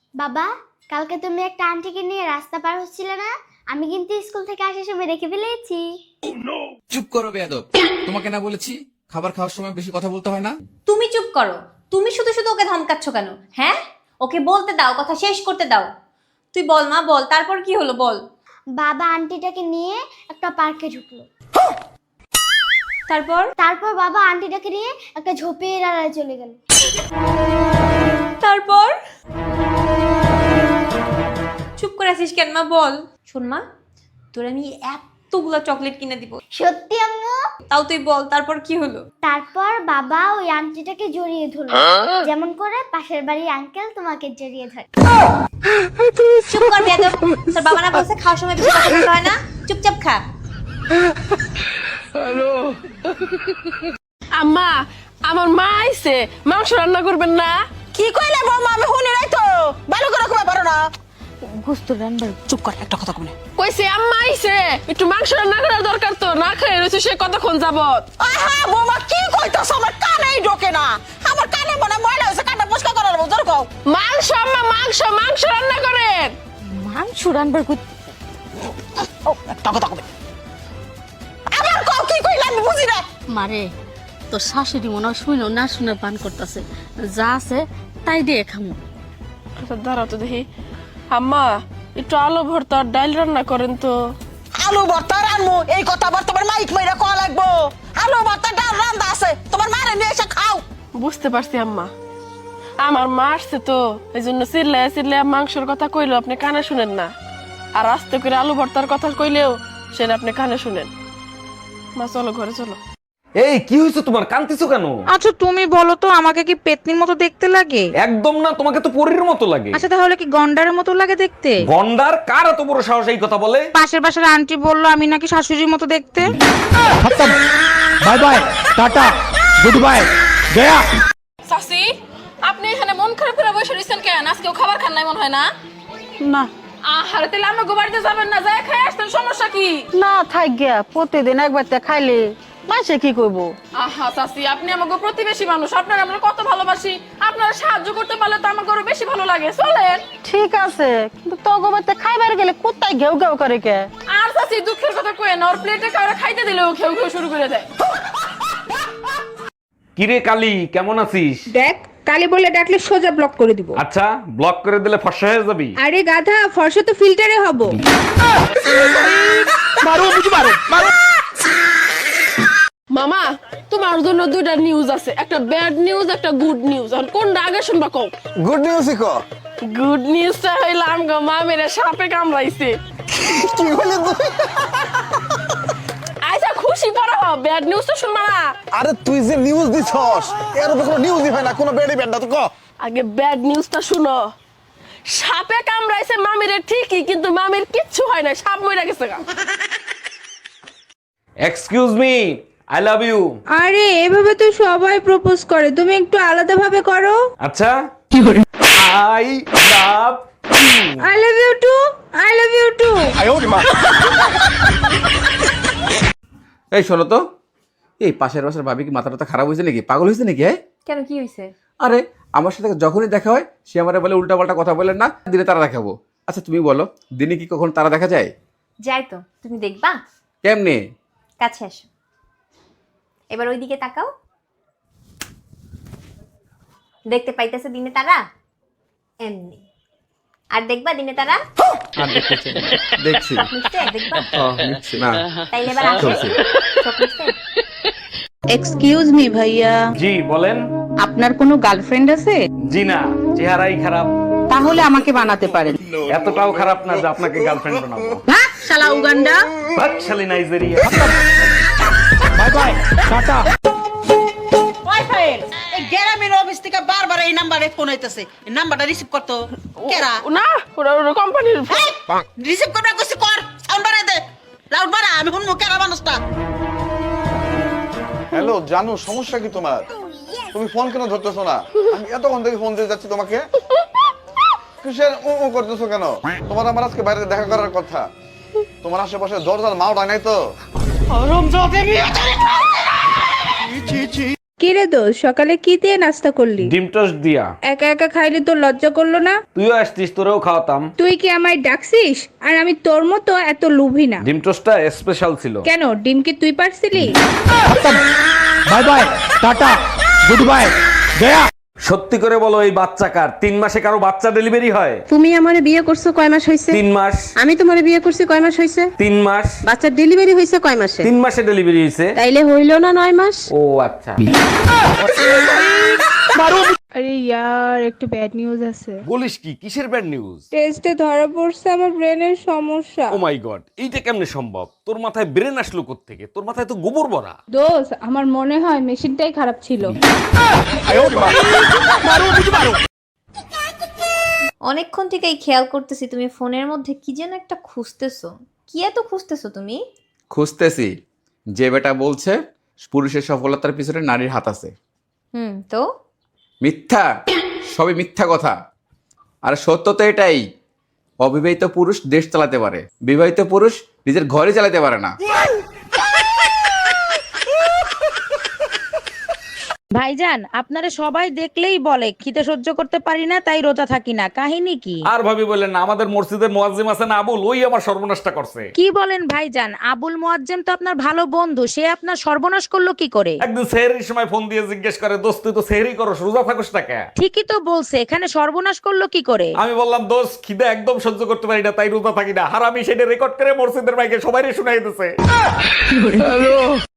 বাবা, কালকে তুমি একটা আন্টিকে নিয়ে রাস্তা পার হচ্ছিলে না? আমি কিন্তু স্কুল থেকে আসার সময় দেখে ফেলেছি। চুপ করো বেয়াদব। তোমাকে না বলেছি খাবার খাওয়ার সময় বেশি কথা বলতে হয় না? তুমি চুপ করো। তুমি শুধু শুধু ওকে ধমকাচ্ছ কেন? হ্যাঁ, ওকে বলতে দাও, কথা শেষ করতে দাও। তুই বল মা, বল, তারপর কি হলো বল। বাবা আন্টিটাকে নিয়ে একটা পার্কে ঢুকলো। তারপর? তারপর বাবা আন্টিটাকে নিয়ে একটা ঝোপের আড়ালে চলে গেল। তারপর? চুপ করে আছিস কেন মা, বল। শোন মা, তোর আমি এতগুলো চকলেট কিনে দিব। সত্যি আম্মু? তাও তুই বল, তারপর কি হলো? তারপর বাবা ওই আন্টিটাকে জড়িয়ে ধরলো, যেমন করে পাশের বাড়ির আঙ্কেল তোমাকে জড়িয়ে ধরে। চুপ কর বেয়াদব। তোর বাবা না বলছে খাওয়ার সময় বেশি কথা বলতে হয় না? চুপচাপ খা। আম্মা, আমার মা আইছে, মাংস রান্না করবেন না? কি কইলে বৌমা, আমি শুনি নাই তো। ভালো করে কইবা পারো না। চুপ কর, একটা কথা কইলে। কইছে আম্মা আইছে, একটু মাংস রান্না করার দরকার তো, না খেয়ে রয়েছে সে কতক্ষণ যাবত। আহা বৌমা, কি কইতাছ? আমার কানেই ঢোকে না। আমার কানে মনে ময়লা হইছে, কানে পরিষ্কার করার বদর কও। মাংস আম্মা, মাংস মাংস রান্না করেন। মাংস রানবার কই? ও একটা কথা কই। আবার কও, কি কইলা আমি বুঝি না। মারে, তোর শাশুড়ি মনে হয় শুনো না শুনে পান করতেছে, যা আছে তাই দিয়ে খামু। আচ্ছা দাঁড়াও তো দেখি। আম্মা, একটু আলু ভর্তা আর ডাল রান্না করেন তো। আলু ভর্তা রানমু, এই কথা আবার তোমার মাইক মাইরা কওয়া লাগবো। আলু ভর্তা ডাল রান্দা আছে, তোমার মারে নিয়ে এসে খাও। বুঝতে পারছি আম্মা, আমার মা আসছে তো, এই জন্য চিল্লায় চিল্লায় মাংসের কথা কইলো আপনি কানে শুনেন না, আর আস্তে করে আলু ভর্তার কথা কইলেও সেটা আপনি কানে শুনেন। মা চলো ঘরে চলো। এই কি হয়েছে তোমার, কাঁদতেছো কেন? আচ্ছা তুমি বলো তো, আমাকে কি পেতনির মতো দেখতে লাগে? একদম না, তোমাকে তো পরীর মতো লাগে। আচ্ছা তাহলে কি গন্ডারের মতো লাগে দেখতে? গন্ডার? কার এত বড় সাহস এই কথা বলে? পাশের বাসার আন্টি বললো আমি নাকি শাশুড়ির মতো দেখতে। Bye bye, tata, good bye, গয়া। সাসি, আপনি এখানে মন খারাপ করে বসে রয়েছেন কেন? আজকেও খাবার খান নাই মনে হয় না? না আহারে, তাহলে আমরা বাড়িতে যাবেন না? যাই খাই আসতেন, সমস্যা কি? না থাক গিয়া, প্রতিদিন একবার খাইলে মাসে কি করবো? আহা চাচি, আপনি আমাকে প্রতিবেশী মানুষ, আপনার আমরা কত ভালোবাসি, আপনারা সাহায্য করতে পারলে তো আমাকে আরো বেশি ভালো লাগে। চলেন। ঠিক আছে, কিন্তু তগবাতে খাইবার গেলে কোথায় ঘেউ ঘেউ করে কে? আর চাচি দুঃখের কথা কয়ে না, ওর প্লেটে কাউরে খাইতে দিলেও খেউ খেউ শুরু করে দেয়। কিরে কালি, কেমন আছিস? দেখ, কালি বলে ডাকলে সোজা ব্লক করে দিব। আচ্ছা, ব্লক করে দিলে ফর্সা হয়ে যাবি? আরে গাধা, ফর্সা তো ফিল্টারে হব। মামা, তোমার জন্য দুইটা নিউজ আছে, একটা ব্যাড নিউজ, একটা গুড নিউজ। আর কোনটা আগে শুনবা কও? গুড নিউজ কো। গুড নিউজটা হইলো আমগো মামেরে সাপে কামড়াইছে। কি বলে তুই? আচ্ছা খুশি পড়া, ব্যাড নিউজ তো শুনবা না? আরে তুই যে নিউজ দিছস, এর তো কোনো নিউজই হয় না, কোনো বেডি বেড না তো কো। আগে ব্যাড নিউজটা শুনো। সাপে কামড়াইছে মামিরে ঠিকই, কিন্তু মামির কিচ্ছু হয় না, সাপ মরে গেছে গা। Excuse me, I love you. আরে এভাবে তো সবাই প্রপোজ করে, তুমি একটু আলাদা ভাবে করো। আচ্ছা, I love you. I love you too, I love you too. এই শোনো তো, এই পাশের বাসার ভাবি কি মাথা টাথা খারাপ হয়েছে নাকি? পাগল হয়েছে নাকি? কেন, কি হয়েছে? আরে আমার সাথে যখনই দেখা হয় সে আমারে বলে উল্টা পাল্টা কথা বলেন না, দিনে তারা দেখাবো। আচ্ছা তুমি বলো, দিনে কি কখন তারা দেখা যায়? যাই তো, তুমি দেখবা। কেমনে? কাছে আসো, এবার ওইদিকে তাকাও। দেখতে পাইতেছে দিনে তারা? এমনি। আর দেখবা দিনে তারা? দেখছি। নিশ্চয় দেখবা। নিচ্ছি না। তাইলে এবার আসো। চলছে। চোখ নিচ্ছে? এক্সকিউজ মি ভাইয়া, জি বলেন। আপনার কোনো গার্লফ্রেন্ড আছে? জি না, চেহারাই খারাপ। তাহলে আমাকে বানাতে পারেন। এতটাও খারাপ না যে আপনাকে গার্লফ্রেন্ড বানাবো। ভাগ শালা উগান্ডা। বাকশালী Nigeria. Bye bye, tata. Wifi এই গ্রামের অফিস থেকে বারবার এই নাম্বারে ফোন হইতাছে। এই নাম্বারটা রিসিভ করতো কেরা? না, ওরা কোম্পানির। রিসিভ করবে কইছি, কর। সাউন্ড বাড়াই দে, লাউড বাড়া। আমি শুনবো কেরা মানুষটা। হ্যালো জানু, সমস্যা কি তোমার? তুমি ফোন কেন ধরতেছো না? আমি এতক্ষণ থেকে ফোন দিয়ে যাচ্ছি তোমাকে। কিসের ও করতেছো কেন? তোমার আমার আজকে বাইরে দেখা করার কথা। তোমার আশেপাশে দরজার মাও নাই তো? কিরে দোষ সকালে কি দিয়ে নাস্তা করলি? ডিম টোস্ট দিয়া। একা একা খাইলে তোর লজ্জা করলো না? তুইও আসতিস, তোরেও খাওয়াতাম। তুই কি আমায় ডাকছিস? আর আমি তোর মতো এত লোভী না। ডিম টোস্টটা স্পেশাল ছিল। কেন, ডিম কি তুই পারছিলি? Bye bye, tata, good bye, গয়া। সত্যি করে বলো, এই বাচ্চা কার? 3 মাসে কারো বাচ্চা ডেলিভারি হয়? তুমি আমারে বিয়ে করছো কয় মাস হইছে? 3 মাস। আমি তোমারে বিয়ে করছি কয় মাস হইছে? 3 মাস। বাচ্চার ডেলিভারি হইছে কয় মাসে? 3 মাসে ডেলিভারি হয়েছে। তাইলে হইল না 9 মাস? ও আচ্ছা। আরে ইয়ার, একটু ব্যাড নিউজ আছে। বলিস কি? কিসের ব্যাড নিউজ? টেস্টে ধরা পড়ছে আমার ব্রেনের সমস্যা। ও মাই গড, এইটা কেমনে সম্ভব? তোর মাথায় ব্রেন আসলো কোত্থেকে? তোর মাথায় তো গোবর ভরা। দোষ, আমার মনে হয় মেশিনটাই খারাপ ছিল। অনেকক্ষণ থেকেই খেয়াল করতেছি তুমি ফোনের মধ্যে কি যেন একটা খুঁজতেছো। কি এত খুঁজতেছো তুমি? খুঁজতেছি যে বেটা বলছে পুরুষের সফলতার পিছনে নারীর হাত আছে। তো মিথ্যা, সবই মিথ্যা কথা। আর সত্য তো এটাই, অবিবাহিত পুরুষ দেশ চালাতে পারে, বিবাহিত পুরুষ নিজের ঘরে চালাতে পারে না। ভাইজান, আপনারা সবাই দেখলেই বলে খিদে সহ্য করতে পারি না, তাই রোজা থাকি না। কাহিনী কি? আর ভাবি বললেন না, আমাদের মসজিদের মুয়াজ্জিম আছেন আবুল, ওই আমার সর্বনাশটা করছে। কি বলেন ভাইজান? আবুল মুয়াজ্জেম তো আপনার ভালো বন্ধু, সে আপনার সর্বনাশ করলো কি করে? একদিন সেহরির সময় ফোন দিয়ে জিজ্ঞেস করে, দোস্ত তুই তো সেহরি করো, রোজা থাকোস না কেন? ঠিকই তো বলছে, এখানে সর্বনাশ করলো কি করে? আমি বললাম, দোস্ত খিদে একদম সহ্য করতে পারি না, তাই রোজা থাকি না। আর আমি সেটা রেকর্ড করে মসজিদের মাইকে সবাই শুনাই দিতেছে।